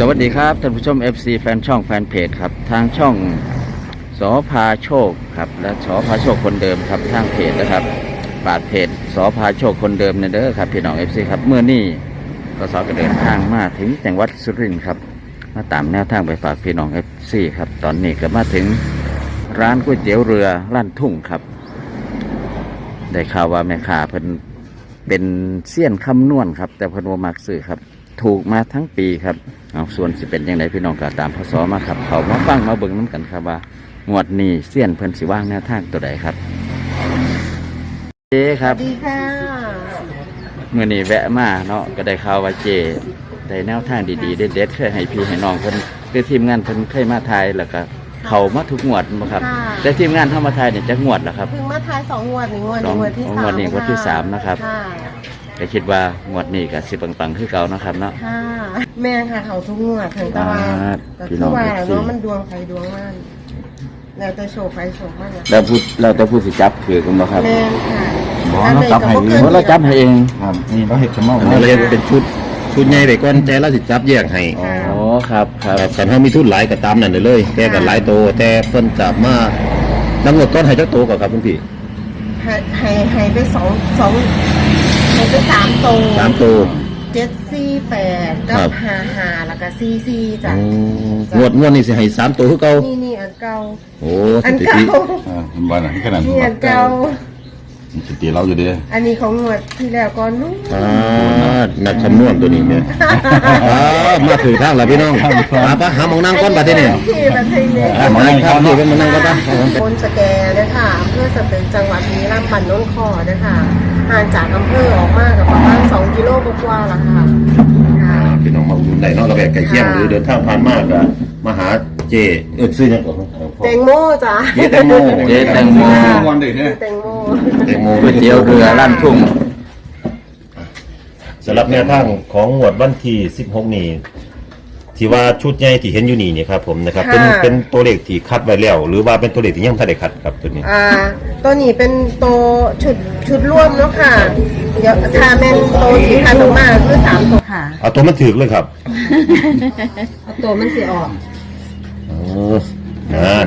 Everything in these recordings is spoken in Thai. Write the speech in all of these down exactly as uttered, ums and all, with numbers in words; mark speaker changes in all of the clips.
Speaker 1: วัสดีครับท่านผู้ชม เอฟ ซี แฟนช่องแฟนเพจครับทางช่องสอพาโชคครับและสอพาโชคคนเดิมครับทางเพจนะครับปาดเพจสอพาโชคคนเดิมเนี่ยเด้อครับพี่น้อง เอฟ ซี ครับเมื่อนี้ก็สอก็เดินทางมาถึงจังหวัดสุรินทร์ครับมาตามแนวทางไปฝากพี่น้อง เอฟ ซี ครับตอนนี้ก็มาถึงร้านก๋วยเตี๋ยวเรือลั่นทุ่งครับได้ข่าวว่าแม่ค้าเพิ่นเป็นเสี้ยนคำนวณครับแต่เพิ่นบ่มักซื้อครับถูกมาทั้งปีครับเอาส่วนสิเป็นยังไงพี่น้องก็ตามพศมาครับเขามาฟังมาเบิ่งน้ำกันครับว่างวดนี้เสี้ยนเพิ่นสิว่างแนวทางตัวใดครับเจครับ
Speaker 2: ดีค่ะ
Speaker 1: เมื่อนี้แวะมาเนาะก็ได้ข่าวว่าเจได้แนวทางดีๆเด็ดๆเคยให้พี่ให้น้องเพิ่นคือทีมงานเพิ่นเคยมาทายแล้วก็เขามาทุกงวดบ่ครับแต่ทีมงานเข้ามาทายเนี่ยจะงวดเหรอครับ
Speaker 2: เพิ่งมาทายสองงวดหนึ่งงวดหนึ่งงวดที่สาม
Speaker 1: งวดนี้งวดที่สามนะครับก็คิดว่างวดนี้ก็สิปังๆคือเก่านะครับเนาะ
Speaker 2: ค่ะแม่ค่ะเขาทุกงวดถึงตะวันแต่คือว่าเนาะมันดวงใครดวงมันแล้วแต่โชคใครโชคมัน
Speaker 1: แล้วพูดเราจะพูดสิจับถือกันบ่ครับ
Speaker 2: แม่ค่ะ
Speaker 1: บ่เราจับให้เองเราจับให้เอง
Speaker 3: ครับนี่เราเห็ดขมเอา
Speaker 1: เราเห็ดเป็นชุด
Speaker 3: ชุดใหญ่ไปก่อนแต่เราสิจับแยกให้
Speaker 1: อ๋อครับครับ
Speaker 3: แต่ถ้ามีทุนหลายก็ตามนั่นเลยเลยแกกันหลายโตแต่เพิ่นจับมาน้ำหนดก้อนให้เจ้าโตก่อนครับคุณพี่
Speaker 2: ให้ให้ให้ไปสองสองให้ไปสามโต
Speaker 3: สามโต
Speaker 2: เจ็ดสี่แปดกับห้าห้าแล้วก็สี่สี่จ้ะ
Speaker 3: งวดงวดนี่สิให้สามโตคือเก่า
Speaker 2: นี่นี่อันเก่า
Speaker 3: โอ้
Speaker 2: อันเก่า
Speaker 3: อ่าบ้านไหนขนาด
Speaker 2: นี่อันเก่า
Speaker 3: สติเราอยู่ดี
Speaker 2: อันนี้ของงวดที่แล้วก่อนนู้น
Speaker 3: อ่านักคำนวณตัวนี้เนี่ยมาถือทางแล้วพี่น้องมาปะหาหมองนั่งก้อนบัดนี้
Speaker 2: หมอง
Speaker 3: นั่งครับนี่เป็นมองนั่งก้อน
Speaker 2: คนสแกนะคะอำเภอสตึกจังหวัดบุรีรัมย์บ้านโน้นคอนะคะห่างจากอำเภอออกมากับประมาณสองกิโลกว่าๆละค่ะ
Speaker 3: พี่น้องมาอุ่นได้นอกระแวกไก่เคี่ยงหรือเดินทางผ่านมากอะมาหาเจเอิดซื้อยังก่อน
Speaker 2: แตงโมจ้ะ
Speaker 3: เจแตงโม
Speaker 1: เจแตงโม
Speaker 3: วันเด็กเนี่ย
Speaker 2: แตงโม
Speaker 3: แตงโม
Speaker 1: ก๋วยเตี๋ยวเรือลั่นทุ่ง
Speaker 3: สำหรับแนวทางของหมวดวันที่สิบหกนี้ที่ว่าชุดใหญ่ที่เห็นอยู่นี่เนี่ยครับผมนะครับเป็นเป็นตัวเลขที่คัดไว้แล้วหรือว่าเป็นตัวเลขที่ยังไม่ได้คัดครับตัวนี้
Speaker 2: อ่าตัวนี้เป็นตัวชุดชุดร่วมเนาะค่ะเดี๋ยวทาแมนโตที่คัดออกมาคือสามตัวค่ะ
Speaker 3: เอาตัวมันถือเลยครับ
Speaker 2: เอาตัวมันสีออก
Speaker 3: อ๋องาน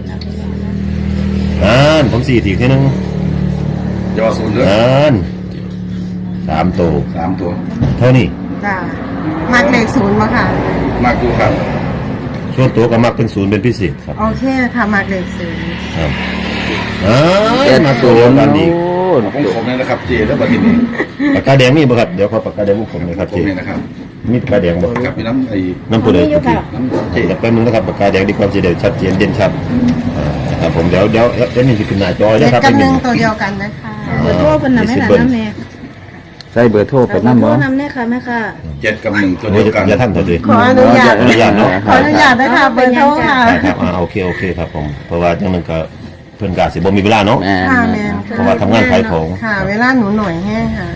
Speaker 3: งานผมสี่ทีทีนึง
Speaker 4: ยอศูนย์ด้วย
Speaker 3: งานสามตัว
Speaker 4: สามตัว
Speaker 3: เท่านี้
Speaker 2: จ้ามักเลขศูนย์มาค่ะ
Speaker 4: มากดูครับ
Speaker 3: ช่วงตัวก็มักเป็นศูนย์เป็นพิเศษครับ
Speaker 2: โอเคค่ะมักเลขศูนย์
Speaker 3: ครับอ่ามา
Speaker 1: ตัว
Speaker 3: กันดี
Speaker 4: ผมผมนี่นะครับเจแล้วบัดนี้
Speaker 3: ปากกาแดงมีบ่ครับเดี๋ยวขอปากกาแดงผมเลยครับ
Speaker 4: เจผมนี่นะครับ
Speaker 3: มีปากกาแดงบ่
Speaker 4: ครับมีน้ำไอ้
Speaker 3: น้ำปูเลยน้ำเจแป๊บนึงนะครับปากกาแดงดีความเสียเด่นชัดเจนเด่นชัดนะครับผมเดี๋ยวเดี๋ยวเดี๋ยวนี่จะขึ้นหน้าจอนะครับ
Speaker 2: เป็นหนึ่งตัวเดียวกันนะคะ
Speaker 5: เบอร์โทรเป็นน้ำแม่หลานน้ำแม่
Speaker 1: ใส่เบอร์โทรไปน้ำบ่
Speaker 5: น้ำแน่ค่ะแม่ค่ะ
Speaker 4: เจ็ดกับหนึ่งตัวเดียวกัน
Speaker 3: อย่าท่านตัวเดียว
Speaker 2: ขออนุญาต
Speaker 3: อนุญาตเนาะ
Speaker 2: ขออนุญาตได้ค่ะเบอร์โทรค่ะ
Speaker 3: ครับอ่าโอเคโอเคครับผมเพราะว่าจังนึงก็เพิ่นกาสิบ่มีเวลาเนาะ
Speaker 2: ค่ะแม่
Speaker 3: เพราะว่าทำงานขายของ
Speaker 2: ค่ะเวลาหนูหน่อยแห้งค่ะ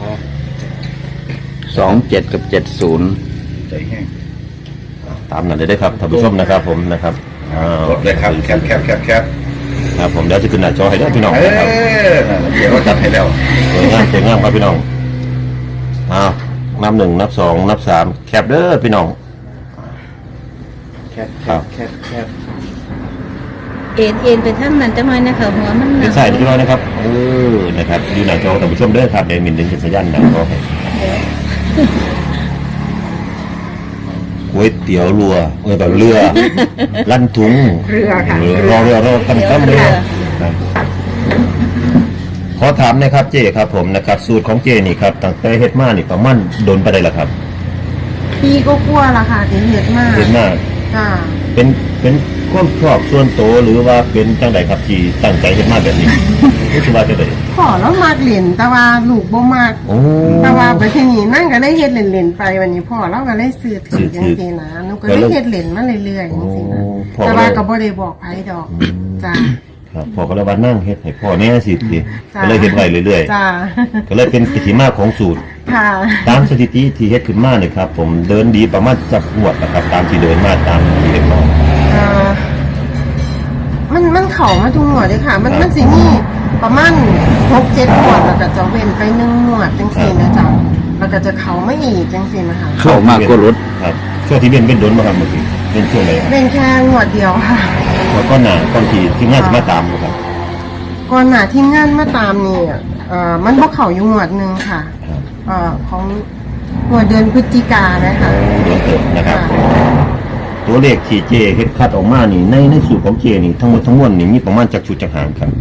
Speaker 1: สองเจ็ดกับเจ็ดศูนย์
Speaker 4: ใจแห้ง
Speaker 3: ตามนั้นเลยได้ครับท่านผู้ชมนะครับผมนะครับ
Speaker 4: กดเลยครับแคปแคปแคปแคป
Speaker 3: ครับผมเดี๋ยวจะขึ้นหน้าจอให้ได้พี่น้อง
Speaker 4: นะครับเดี๋ยวเราจัดให้แล้ว
Speaker 3: สวยงามสวยงามครับพี่น้องอ้าวนับหนึ่งนับสองนับสามแคปเด้อพี่น้อง
Speaker 1: แคปแคปแคปแคป
Speaker 5: เอ็นเอ็นไปทั้งนั้นจะมานะคะหัวมัน
Speaker 3: เป็นใส่พี่น้องนะครับเออนะครับอยู่หน้าจอท่านผู้ชมเด้อครับเดี๋ยวมินดึงเป็นสัญญาณหนังก็ให้ก๋วยเตี๋ยวเรือเออแบบเรือลั่นถุง
Speaker 2: เรือค่ะ
Speaker 3: รอเรือรอกันกันเรือขอถามนะครับเจครับผมนะครับสูตรของเจนี่ครับตั้งแต่เฮ็ดมานี่ประมาณโดนไปได้ละครับ
Speaker 2: ปีก็กลัวละค่ะที่เฮ็ดมาก
Speaker 3: เฮ็ดมาก
Speaker 2: ค่ะ
Speaker 3: เป็นเป็นความชอบส่วนตัวหรือว่าเป็นจังไดครับที่ตั้งใจเฮ็ดมาแบบนี้รู้สึกว่าจะได้
Speaker 2: ขอแล้วมากเหรียญแต่ว่าลูกบ่มากแต่ว่าไปที่นี่นั่งก็ได้เฮ็ดเหรียญไปวันนี้พ่อเราก็ได้ซื้อถือจังซี่นะหนูก็ได้เฮ็ดเหรียญมาเรื่อยๆจังซี่นะแต่ว่าก็บ่ได้บอกไผดอกจ้า
Speaker 3: ครับพ่อก็เลยว่านั่งเฮ็ดให้พ่อเนี่ยสิทีก็เลยเฮ็ดไว้เรื่อย
Speaker 2: ๆจ้า
Speaker 3: ก็เลยเป็นที่มาของสูตร
Speaker 2: ค่ะ
Speaker 3: ตามสถิติที่เฮ็ดขึ้นมาเนี่ยครับผมเดินดีประมาณจักงวดนะครับตามที่เดินมาตามที่เฮ็ดมา
Speaker 2: อ่ามันมันเข้ามาทุกงวดเลยค่ะมันมันสิมีประมาณ หกเจ็ด งวดแล้วก็จะเว้นไปหนึ่งงวดจังซี่นะจ๊ะแล้วก็จะเข้ามาอีกจังซี่นะคะ
Speaker 1: เข้ามากกว่ารถ
Speaker 3: ครับช่วงที่เป็นเป็นโดนบ่ครับเมื่อกี้เป็นช่วงไหนครับ
Speaker 2: เป็นแค่งวดเดียวค่ะ
Speaker 3: แล้วก็หน้าก่อนที่ที่งานสิมาตามบ่ครับ
Speaker 2: ก่อนหน้าที่งานมาตามนี่เอ่อมันบ่เข้าอยู่งวดหนึงค่ะ
Speaker 3: ครับ
Speaker 2: เอ่อของงวดเดือนพฤศจิกายนนะคะ
Speaker 3: เดือนเกิดนะครับ
Speaker 2: ค่ะ
Speaker 3: ตัวเลขที่เจเฮ็ดคัดออกมานี่ในในสูตรของเจนี่ทั้งหมดทั้งมวลนี่มีประมาณจักชุดจักหางครับ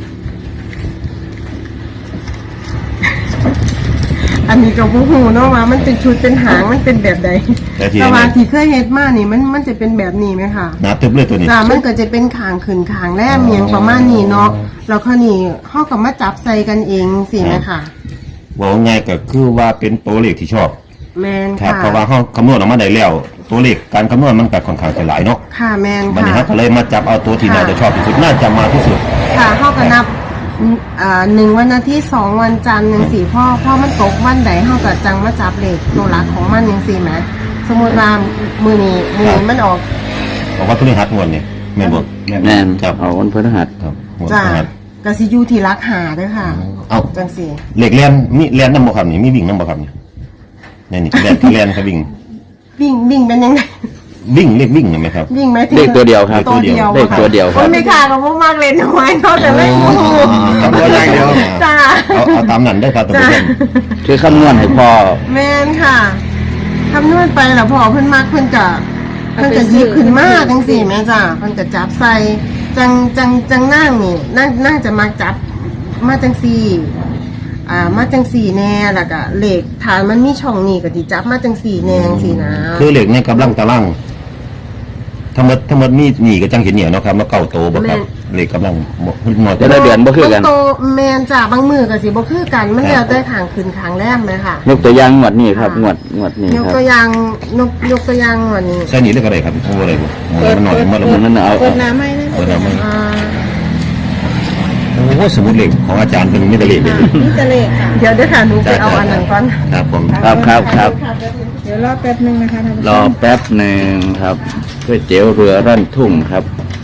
Speaker 2: อันนี้ก็บ่ฮู้เนาะว่ามันเป็นชุดเป็นหางมันเป็นแบบใด
Speaker 3: แต่ที่
Speaker 2: แต่ว่า
Speaker 3: แน่
Speaker 2: ที่เคยเฮ็ดมานี่มันมันจะเป็นแบบนี้ไหมคะ
Speaker 3: ๆหนาตึบเลยตัวนี้
Speaker 2: จ้ามันก็จะเป็นขางขึ้นขางแรมเมียงประมาณนี้เนาะแล้วคราวนี้เฮาก็มาจับใส่กันเองสิแม่ค่ะ
Speaker 3: ว่าง่ายก็คือว่าเป็นตัวเลขที่ชอบ
Speaker 2: แม่น
Speaker 3: ครับ
Speaker 2: ค่ะ
Speaker 3: เพราะว่าเฮาคำนวณออกมาได้แล้ว ตัวเลขการคำนวณมันก็ค่อนข้างจะหลายเนาะ
Speaker 2: ค่ะแม่น
Speaker 3: วันนี้
Speaker 2: ค่ะ
Speaker 3: เฮาก็เลยมาจับเอาตัวที่
Speaker 2: ค่ะ
Speaker 3: น่าจะชอบที่สุดน่าจะมาที่สุด
Speaker 2: ค่ะเฮาก็นับอ่าหนึ่งวันอาทิตย์สองวันจันทร์จังสี่พ่อพ่อมันตกวันใดเฮาก็จังมาจับเลขตัวหลักของมันจังสี่แหมสมมุติว่ามื้อนี้มื้อนี้มันออก
Speaker 3: บอกว่าตัวนี้หัดงวดนี่แม่นบ่
Speaker 1: แม่น
Speaker 3: ครับ
Speaker 1: เอาวันพฤหัส
Speaker 3: ครับงวด
Speaker 2: จ้า
Speaker 3: หัด
Speaker 2: ก็สิอยู่ที่หลักหาเด้อค่ะ
Speaker 3: เอา
Speaker 2: จังสี่
Speaker 3: เลขแล่นมีแล่นนำบ่ครับนี่มีวิ่งนำบ่ครับนี่นี่นี่แล่นแล่นครับวิ่ง
Speaker 2: วิ่งวิ่งเป็นยังไง
Speaker 3: วิ่งเลขวิ่งเห็นไหมครับ
Speaker 2: วิ่งไหม
Speaker 1: เลขตัวเดียวครับ
Speaker 2: ตัวเดียว
Speaker 1: เลขตัวเดียวครับ
Speaker 2: โอ้ไม่ค่ะก็บ่มากเลยน้อยเนาะแต่ไม่รู้
Speaker 3: ครับตัวอย่างเดียว
Speaker 2: จ้า
Speaker 3: เอาเอาตามนั้นได้อครับท่าน
Speaker 2: จ้า
Speaker 3: ผู้ชม
Speaker 1: คือคำนวณให้พ่อ
Speaker 2: แม่นค่ะคำนวณไปแล้วพอเพิ่นมากเพิ่นจะเพิ่นจะหยิบขึ้นมาจังสี่แม่จ้าเพิ่นจะจับใส่จังจังจังนั่งนี่นั่งนั่งจะมาจับมาจังสี่อ่ามาจังสี่แน่แล้วก็เหล็กฐานมันมีช่องนี่ก็สิจับมาจังสี่แน่จังสี่นะ
Speaker 3: คือเหล็กในกำลังตารางทั้งหมดทั้งหมดมีหนีก็จังเห็นเนี่ยเนาะครับแล้วเก่าโตบ่ครับเหล็กกำลังบ่หน่อย
Speaker 1: แต่ละเดือนบ่คือกัน
Speaker 2: บางโตแมนจ้าบางมือก็สิบ่คือกันมันแล้วแต่ขางขึ้นขางแรมเลยค่ะ
Speaker 1: ยกตัวอย่างงวดนี้ครับงวดงวดนี้
Speaker 2: ยก
Speaker 1: ครับ
Speaker 2: ตัวอย่างยกยกตัวอย่างวันนี้
Speaker 3: ใส่นี่เลยก็ได้ครับโอ้อะไรบ่มันหน่อยมันละ
Speaker 1: เปิ
Speaker 3: มั
Speaker 1: ด
Speaker 3: น
Speaker 1: นั่นเอา
Speaker 5: เปิดน้ำให้นะ
Speaker 3: เปิดน้ำมัน
Speaker 2: อ่า
Speaker 3: โอ้สมุดเหล็กของอาจารย์เป็นมิตรเหล็กเลย
Speaker 5: นี่จะเลขค่ะ
Speaker 2: เดี๋ยวเดี๋ยวค่ะหนูไปเอาอันนั้นก่อน
Speaker 3: ครับผม
Speaker 1: ครับครับครับ
Speaker 5: เดี๋ยวรอแป๊บนึงนะคะท่านผู้ช
Speaker 1: รอ
Speaker 5: ม
Speaker 1: แป๊บหนึ่งครับก๋วยเตี๋ยวเรือร่อนทุ่งครับ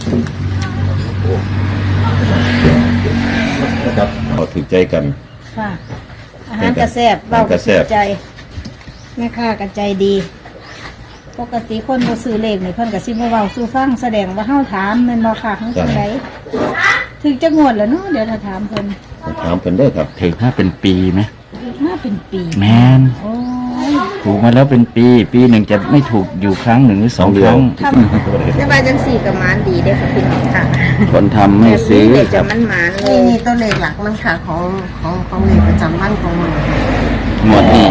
Speaker 3: นะครับเอาถือใจกัน
Speaker 5: ค่ะ อาหารกระแซบเบากระแซบใจแม่ค้ากระใจดี ปกติคนบ่ซื้อเลขนี่เพิ่นก็สิบ่เว้าสู่ฟังแสดงว่าเฮาถามแม่นบ่ค่ะเฮาจังไดถึงจะงวดแล้วเนาะเดี๋ยวถ้าถามเพิ่น
Speaker 3: ถามเพิ่นเด้อครับ
Speaker 1: ถึงถ้าเป็นปีไหม
Speaker 5: มาเป็นปี
Speaker 1: แมน
Speaker 5: โอ้ย
Speaker 1: ถูกมาแล้วเป็นปี ปีหนึ่งจะไม่ถูกอยู่ครั้งหนึ่งหรือสองครั้ง
Speaker 5: ครับ แต่ว่าจังสี่ก็หมานดีเด้อค่ะพี่น้องค่ะ
Speaker 1: คนทำไม่ซื้อ
Speaker 5: แบบนี้
Speaker 1: ค
Speaker 5: จะ
Speaker 1: รับ
Speaker 5: มันหมานเล
Speaker 2: นี่
Speaker 5: ย
Speaker 2: นี่ตัวเลขหลักมันค่ะของของของเลขประจำวันของมัน
Speaker 1: งวดนี้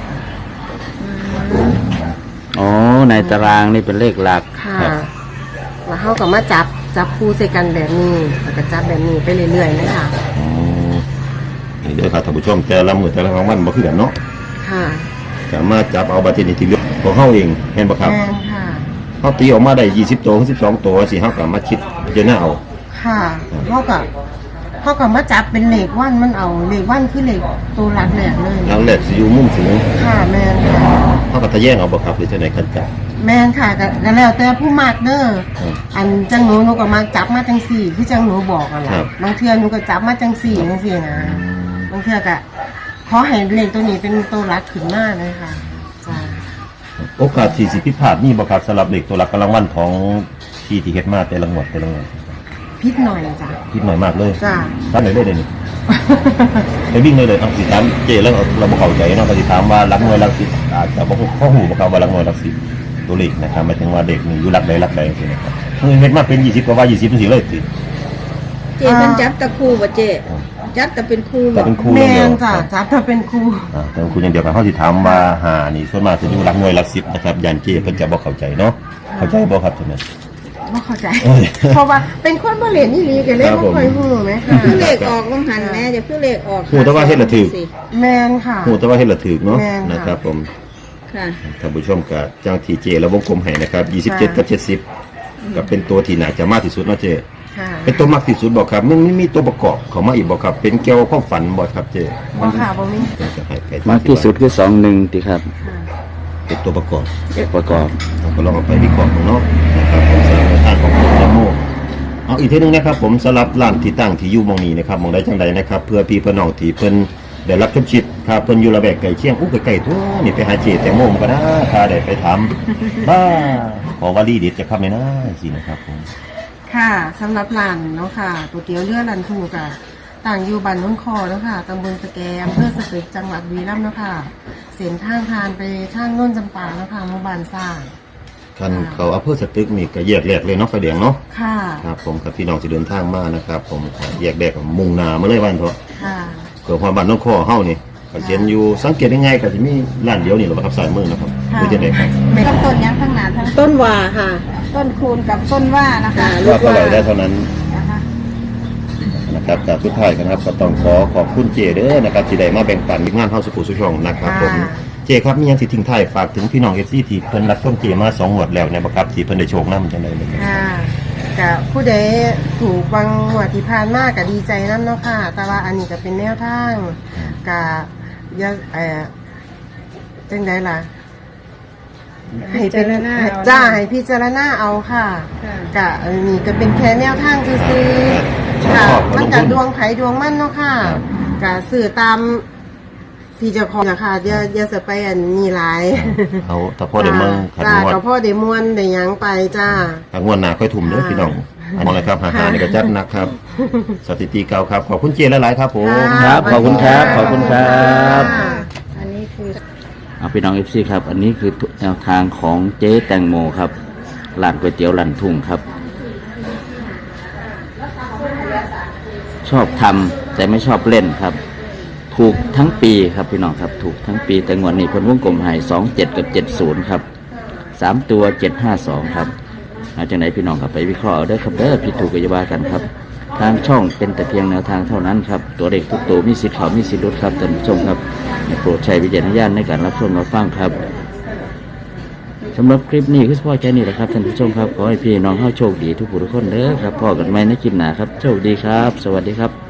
Speaker 1: อ๋อในตารางนี่เป็นเลขหลัก
Speaker 2: ค่ะ
Speaker 1: ครับ
Speaker 2: แล้วเขาก็มาจับจับคู่ใส่กันแบบนี้แล้วก็จับแบบนี้ไปเรื่อยๆนะคะ
Speaker 3: อ๋อนี่เด้อครับท่านผู้ชมแต่ละมื้อแต่ละวันบ่คือกันเนาะ
Speaker 2: ค่ะ
Speaker 3: สามารถจับเอาบัตรที่นี่ที่เหลือของเฮาเองเห็นบ่ครับ
Speaker 2: แม่นค่ะ
Speaker 3: เฮาตีออกมาได้ยี่สิบตัวถึงสิบสองตัวสิเฮาก็มาคิดพิจารณาเอา
Speaker 2: ค่ะเขาก็เขาก็มาจับเป็นเลขวันมันเอาเลขวันคือเลขตัวหลักแหลกเลย
Speaker 3: หลังแรกสิอยู่มุมสูง
Speaker 2: ค่ะแม่นค่ะ
Speaker 3: เฮาก็ทะแยงเอาบ่ครับหรือจังได๋คันจับ
Speaker 2: แม่นค่ะก็ก็แล้วแต่ผู้มากเด้อ
Speaker 3: อืม
Speaker 2: อันจังหนูหนูก็มาจับมาจังสี่คือจังหนูบอกอะ
Speaker 3: ครั
Speaker 2: ล่ะ
Speaker 3: บ
Speaker 2: บางเทื่อหนูก็จับมาจังสี่จังสี่นะบางเทื่อก็ขอให้เลขตัวนี้เป็นตัวหลักขึ้นหน้าเลยค่ะจ้า
Speaker 3: โอกาสที่สิผิดพลาดมีบ่ครับสำหรับเลขตัวหลักกำลังวันของที่ที่เฮ็ดมาแต่ละงวดแต่ละงวด
Speaker 2: พิษหน่อยจ้ะ
Speaker 3: คิดหน่อยมากเลย
Speaker 2: จ้ะ
Speaker 3: ถามหน่อยเลยเดี๋ยวนี้ไปวิ่งเลยเลยเอาสิถามเจแล้วเราบ่เข้าใจเนาะก็สิถามว่าหลักหน่วยหลักสิบอาจจะบ่ข้อหูบ่ครับว่าหลักหน่วยหลักสิบตัวเลขนะครับหมายถึงว่าเด็กนี่อยู่หลักใดหลักใดจังซี่นะครับเฮ้ยเฮ็ดมาเป็นยี่สิบก็ว่ายี่สิบจังซี่เลยสิ
Speaker 5: เจเพิ่นจับตะครูบ่เจจับแต่เป็นครู
Speaker 3: แต่
Speaker 5: บ่
Speaker 3: เป็นครู
Speaker 2: แม
Speaker 3: อย่างเดีย
Speaker 2: น
Speaker 3: ว
Speaker 2: จ้ะจับถ้าเป็นครู
Speaker 3: อ่าแต่เป็นครูอย่างเดียวกันเฮาสิถามว่าหานี่ส่วนมากสิอยู่หลักหน่วยหลักสิบนะครับยันเจเพิ่นจะบ่เข้าใจเนาะเข้าใจบ่ครับจังนั้น
Speaker 2: ไม่เข้าใจ
Speaker 3: เอ้ย
Speaker 2: เพราะว่าเป็นคนบ่เรียนนี่ลีกันเลย
Speaker 3: ครับ
Speaker 2: บ่
Speaker 3: ผม
Speaker 2: ค่อยฮู้ไหมคะ
Speaker 5: คือเลขออกลงหันแม่จะคือเลขออก
Speaker 3: ครูแต่ว่าเฮ็ดละถูก
Speaker 2: แมนค่ะ
Speaker 3: ฮู้แต่ว่าเฮ็ดละถูกเนาะ
Speaker 2: แม่นค่ะ
Speaker 3: นะครับผม
Speaker 5: ค่ะ
Speaker 3: ท่านผู้ชมกับจ้างทีเจแล้ววงกลมให้นะครับยี่สิบเจ็ดกับเจ็ดสิบก็เป็นตัวที่น่าจะมากที่สุดเนาะเจ
Speaker 2: ค่ะ
Speaker 3: เป็นตัวมากที่สุดบอกครับมันมีตัวประกอบเข้ามาอีกบอกครับ เป็นเกี่ยวกับความฝันบอกครับเจ
Speaker 2: บ่ค่ะบ่มี
Speaker 3: จะให้ไป
Speaker 1: มากที่สุดคือสองหนึ่งติครับ
Speaker 2: ค่ะ
Speaker 3: เป็นตัวประกอบ
Speaker 1: ประกอบ
Speaker 3: เราก็ลองเอาไปวิเคราะห์ของเนาะนะครับผมสำหรับในทางของคุณโมเอาอีกทีหนึงนะครับ ผมสำหรับร้านที่ตั้งที่อยู่หมองนี้นะครับหมองใดจังใดนะครับ เพื่อพี่เพื่อน้องที่เพิ่นได้รับชมชิดครับเพิ่นอยู่ระแวกไก่เคียงอู้ไก่ๆทั่วนี่ไปหาเจแตงโมมันก็นะถ้าได้ไปทำบ้าขอวารีเด็ดจะครับเลยนะสินะครับผม
Speaker 2: ค่ะสำหรับร้านเนาะค่ะก๋วยเตี๋ยวเรือรันทูกะต่างอยู่บ้านโน้นคอเนาะค่ะตำบลสแกมอำเภอสตึกจังหวัดบุรีรัมย์เนาะค่ะเส้นทางทานไปทางโน้นจำปาเนาะค่ะหมู่บ้านสร้าง
Speaker 3: คันเขาอำเภอสตึกนี่ก็แยกแรกเลยเนาะไฟแดงเนาะ
Speaker 2: ค่ะ
Speaker 3: ครับผมกับพี่น้องที่เดินทางมานะครับผมแยกแรกมุ่งหน้ามาเลยวันเถอะ
Speaker 2: ค่ะ
Speaker 3: เกิดความบ้านน้องคอเฮานี่ก็เห็นอยู่สังเกตยังไงก็สิมีร้านเดียวนี่แหละครับสายมือนะครับ
Speaker 2: ค่ะ
Speaker 3: คือจะได้ครับ
Speaker 5: ต้นต้นยังทั้งหนาทั้ง
Speaker 2: ต้นว่าค่ะ
Speaker 5: ต้นคูณกับต้นว่านะคะ
Speaker 3: ว่าเท่าไหร่ได้เท่านั้น
Speaker 5: นะคะ
Speaker 3: นะครับจากสุดท้ายกันครับก็ต้องขอขอบคุณเจเด้อนะครับที่ได้มาแบ่งปันงานเฮาสุขุสุช่องนะครับผม
Speaker 2: ค่ะ
Speaker 3: เจครับมีหยังสิทิ้งท้ายฝากถึงพี่น้อง เอฟ ซี ที่เพิ่นรับชมเจมาสองงวดแล้วเนี่ยบ่ครับที่เพิ่นได้โชคนำจังได๋เลยครับ
Speaker 2: ค่ะกับผู้ใดถูกบางหัวดที่ผ่านมากก็ดีใจน้ำเนาะค่ะ แต่ว่าอันนี้ก็เป็นแนวทางกับยาเอ่อจังไดล่ะ ให้เป็นจ้าให้พิจารณาเอาค่ะ
Speaker 5: ค่ะ
Speaker 2: กะอันนี้ก็เป็นแค่แนวทางซื่อๆค่ะ มันกัดวงไผดวงมั่นเนาะค่ะกะสื่อตามที่เจ้าของนะคะอย่าอย่าจะไปอันนี้หลาย
Speaker 3: เอาถ้าพ่อได้เมืองขัน
Speaker 2: จ้าง
Speaker 3: วด
Speaker 2: กับพ่อได้มวนได้หยังไปจ้า
Speaker 3: ทางงวดหน้าค่อยทุ่มเด้อพี่น้องอันนี้นะครับหาๆนี่ก็จัดหนักครับ สถิติเก่าครับขอบคุณเจหลายๆครับผม
Speaker 1: ครับ ขอบคุณครับ ขอบคุณครับ
Speaker 5: อันนี้คือ
Speaker 1: เอาพี่น้องเอฟซีครับ อันนี้คือแนวทางของเจ๊แตงโมครับร้านก๋วยเตี๋ยวลันทุ่งครับ ชอบทำแต่ไม่ชอบเล่นครับ ถูกทั้งปีครับพี่น้องครับ ถูกทั้งปีแต่งวดนี้เพิ่นวงกลมให้สองเจ็ดกับเจ็ดศูนย์ครับสามตัวเจ็ดห้าสองครับเอาจากไหนพี่น้องครับไปวิเคราะห์เอาเด้อครับเด้อผิดถูกก็อย่าว่ากันครับ ทางช่องเป็นแต่เพียงแนวทางเท่านั้นครับตัวเด็กทุกตัวมีสิทธิ์เขามีสิทธิ์ลดครับท่านผู้ชมครับโปรดใช้วิจารณญาณในการรับชมรับฟังครับสำหรับคลิปนี้คือพ่อแค่นี้แหละครับท่านผู้ชมครับขอให้พี่น้องเข้าโชคดีทุกผู้ทุกคนเด้อครับพ่อกันไหมในคลิปหน้าครับโชคดีครับ สวัสดีครับ